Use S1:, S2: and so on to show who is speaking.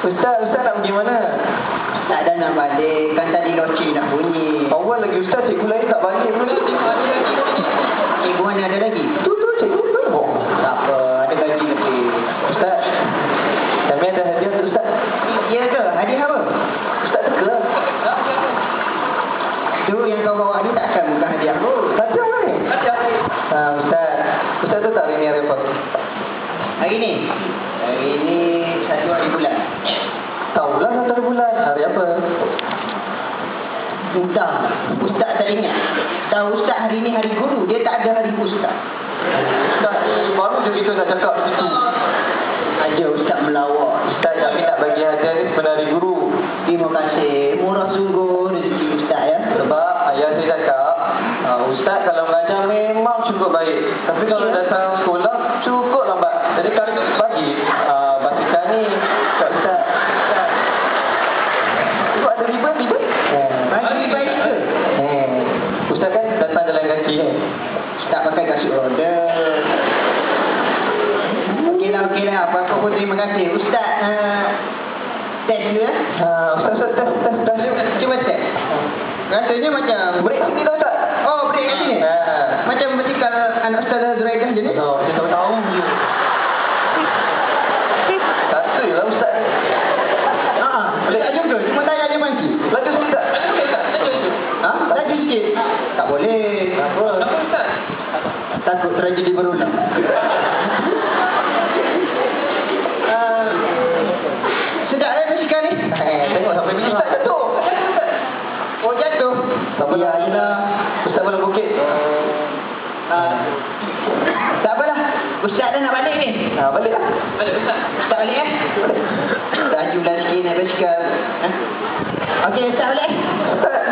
S1: Ustaz nak pergi mana?
S2: Tak ada nak balik. Kan tadi loci nak bunyi.
S1: Awal lagi Ustaz, cikgu lain tak balik pun.
S2: Cikgu mana ada lagi?
S1: Tu cikgu tu.
S2: Tak apa, ada gaji lebih.
S1: Ustaz, kami ada hadiah untuk Ustaz.
S2: Ya ke? Hadiah apa?
S1: Ustaz suka.
S2: Tu yang kau bawa ni takkan bukan hadiah pun.
S1: Hadiah apa ni? Ustaz tu tak hari ni hari apa?
S2: Hari ni? Hari ni 1 hari bulan.
S1: Tahulah 1 hari bulan. Hari apa?
S2: Entah. Ustaz tak ingat. Tahu Ustaz hari ni hari guru. Dia tak ada hari Ustaz.
S1: Ustaz, baru je kita nak cakap begitu.
S2: Aja Ustaz melawak.
S1: Ustaz, kami nak bagi hadiah ni kepada hari guru.
S2: Terima kasih. Murah sungguh rezeki Ustaz ya.
S1: Sebab ayah saya cakap, Ustaz kalau mengajar memang cukup baik. Tapi kalau datang sekolah, cukup lambat. Jadi kami bagi basikal ni kat Ustaz. Itu ada riba?
S2: Bagi baik ke?
S1: Ustaz kan datang jalan kaki kan?
S2: Tak pakai kasut roda. Okeylah. Apa pun terima kasih. Ustaz, test dulu ya.
S1: Ustaz, tes.
S2: Cuba test. Rasanya macam...
S1: Break sini dah Ustaz.
S2: Oh, break kat sini? Macam basikal anak Ustazah Zuraidah je ni?
S1: Oh, kita tahu je. Satu je lah Ustaz.
S2: Tak juga. Cuma tanya je mangki.
S1: Laju sikit tak?
S2: Laju sikit. Tak boleh.
S1: Apa Ustaz?
S2: Takut tragedi berulang. Sedap lah basikal ni.
S1: Tengok sampai bila Ustaz jatuh.
S2: Oh, jatuh.
S1: Tak apa lah. Ustaz boleh bukit.
S2: Tak apalah. Ustaz dah nak balik ni.
S1: Balik lah.
S2: Balik Ustaz. Ustaz balik Lajulah sikit naik basikal. Okey, Ustaz balik.
S1: Ustaz.